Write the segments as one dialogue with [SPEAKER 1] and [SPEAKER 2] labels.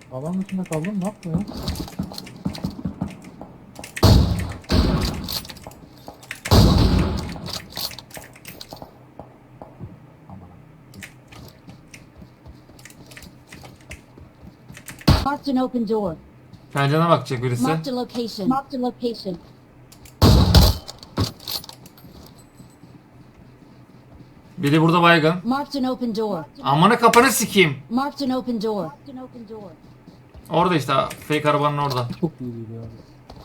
[SPEAKER 1] Alan dışında kaldım, ne yaptın ya?
[SPEAKER 2] Marked an open door.
[SPEAKER 3] Pencerene bakacak birisi.
[SPEAKER 2] Marked a location. Marked a location.
[SPEAKER 3] Biri burada baygın.
[SPEAKER 2] Marked an open door.
[SPEAKER 3] Amına kapanı sikeyim.
[SPEAKER 2] Marked an open door. Marked an open door.
[SPEAKER 3] Orada işte fake arabanın orada.
[SPEAKER 1] Çok iyi değil abi.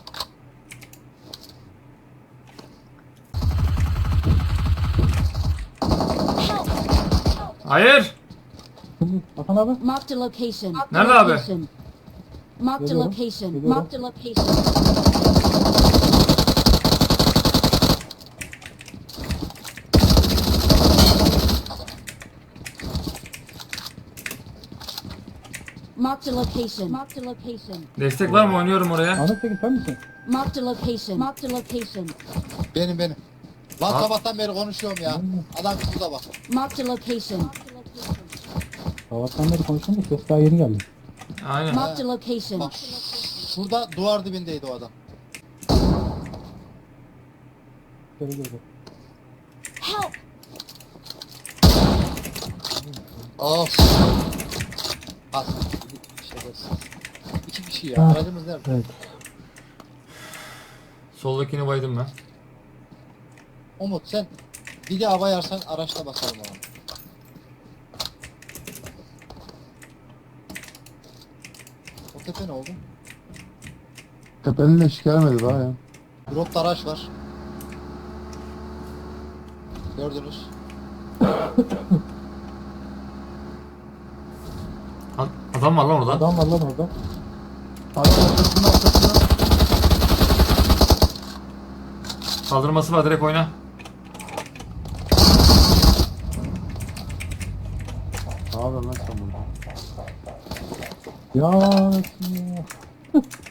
[SPEAKER 3] Hayır.
[SPEAKER 1] Hasan abi.
[SPEAKER 2] Marked a location. Marked a
[SPEAKER 3] Nerede abi?
[SPEAKER 2] location. Marked a
[SPEAKER 1] Geliyorum,
[SPEAKER 2] location.
[SPEAKER 1] geliyorum.
[SPEAKER 2] Marked a location. Marked a location. Marked a location.
[SPEAKER 3] Destek var mı? Oynuyorum oraya.
[SPEAKER 1] Ahmet Tekin sen misin?
[SPEAKER 2] Marked a location. Marked a location.
[SPEAKER 4] Benim. Lan
[SPEAKER 3] Ha?
[SPEAKER 4] sabahtan beri konuşuyorum ya. Adam şurada bak.
[SPEAKER 2] Marked a location.
[SPEAKER 1] Sabahtan beri konuştum da ses daha yeni geldi.
[SPEAKER 3] Aynen.
[SPEAKER 2] Marked a location.
[SPEAKER 4] Bak şurada duvar dibindeydi o adam.
[SPEAKER 1] Şöyle girdi.
[SPEAKER 2] Help!
[SPEAKER 4] Of. Az. Şerefsiz. İki kişi ya.
[SPEAKER 1] Ha.
[SPEAKER 4] Aracımız nerede?
[SPEAKER 1] Evet.
[SPEAKER 3] Soldakini baydım ben.
[SPEAKER 4] Umut sen bir de hava yarsan araçla bakalım ona. O tepe ne oldu?
[SPEAKER 5] Tepenin eşik gelmedi daha ya.
[SPEAKER 4] Dropta araç var. Gördünüz.
[SPEAKER 3] Adam var lan orada.
[SPEAKER 1] Adam var lan orada.
[SPEAKER 5] Arkasına.
[SPEAKER 3] Kaldırması var, direkt oyna.
[SPEAKER 5] Ne yapıyorsun lan sen burada?
[SPEAKER 1] Ya.